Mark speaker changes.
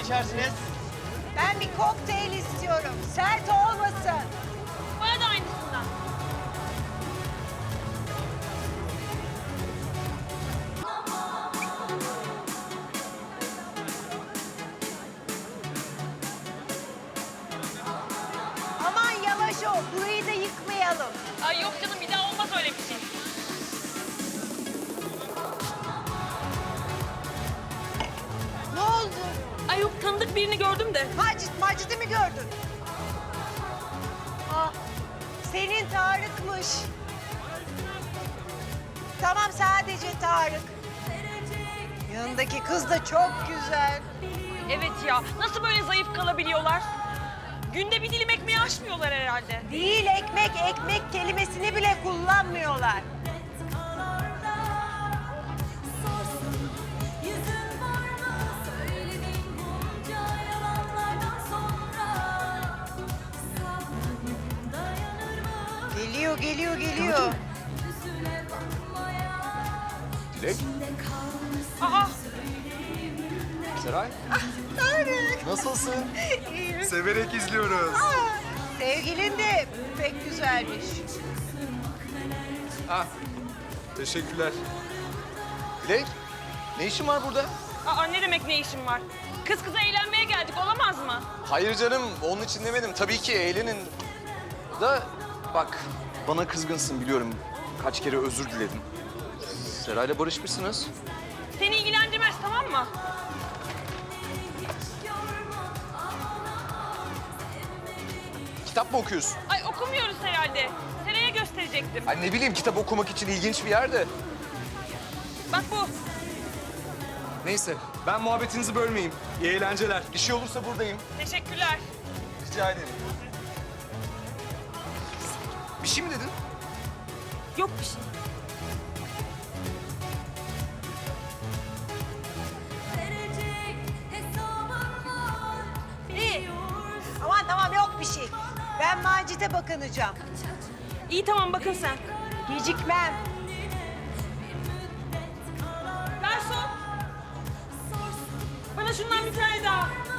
Speaker 1: içersiniz?
Speaker 2: Ben bir kokteyl istiyorum. Sert olmasın.
Speaker 3: Bana da aynısından.
Speaker 2: Aman yavaş ol. Burayı da yıkmayalım.
Speaker 3: Ay yok canım, bir daha olmaz öyle bir şey.
Speaker 2: Ne oldu?
Speaker 3: Ay yok, tanıdık birini gördüm de.
Speaker 2: Macit'i mi gördün? Ah, senin Tarık'mış. Tamam, sadece Tarık. Yanındaki kız da çok güzel.
Speaker 3: Evet ya, nasıl böyle zayıf kalabiliyorlar? Günde bir dilim ekmeği aşmıyorlar herhalde.
Speaker 2: Değil, ekmek kelimesini bile kullanmıyorlar. Geliyor.
Speaker 4: Dilek.
Speaker 3: Aa,
Speaker 4: Seray.
Speaker 2: Tarık.
Speaker 4: Nasılsın?
Speaker 2: İyiyim.
Speaker 4: Severek izliyoruz.
Speaker 2: Sevgilin de pek güzelmiş.
Speaker 4: Ah, teşekkürler. Dilek, ne işin var burada?
Speaker 3: ne demek ne işim var? Kız kıza eğlenmeye geldik, olamaz mı?
Speaker 4: Hayır canım, onun için demedim. Tabii ki eğlenin. Da bak, bana kızgınsın biliyorum. Kaç kere özür diledim. Seray'la barışmışsınız.
Speaker 3: Seni ilgilendirmez, tamam mı?
Speaker 4: Kitap mı okuyorsun?
Speaker 3: Ay okumuyoruz herhalde. Seraya gösterecektim.
Speaker 4: Ay ne bileyim, kitap okumak için ilginç bir yerde.
Speaker 3: Bak bu.
Speaker 4: Neyse, ben muhabbetinizi bölmeyeyim. İyi eğlenceler. Bir şey olursa buradayım.
Speaker 3: Teşekkürler.
Speaker 4: Rica ederim. Bir şey mi dedin?
Speaker 3: Yok bir şey.
Speaker 2: İyi. Aman tamam, yok bir şey. Ben Macit'e bakınacağım.
Speaker 3: İyi tamam, bakın sen.
Speaker 2: Gecikmem.
Speaker 3: Garson. Bana şundan bir tane daha.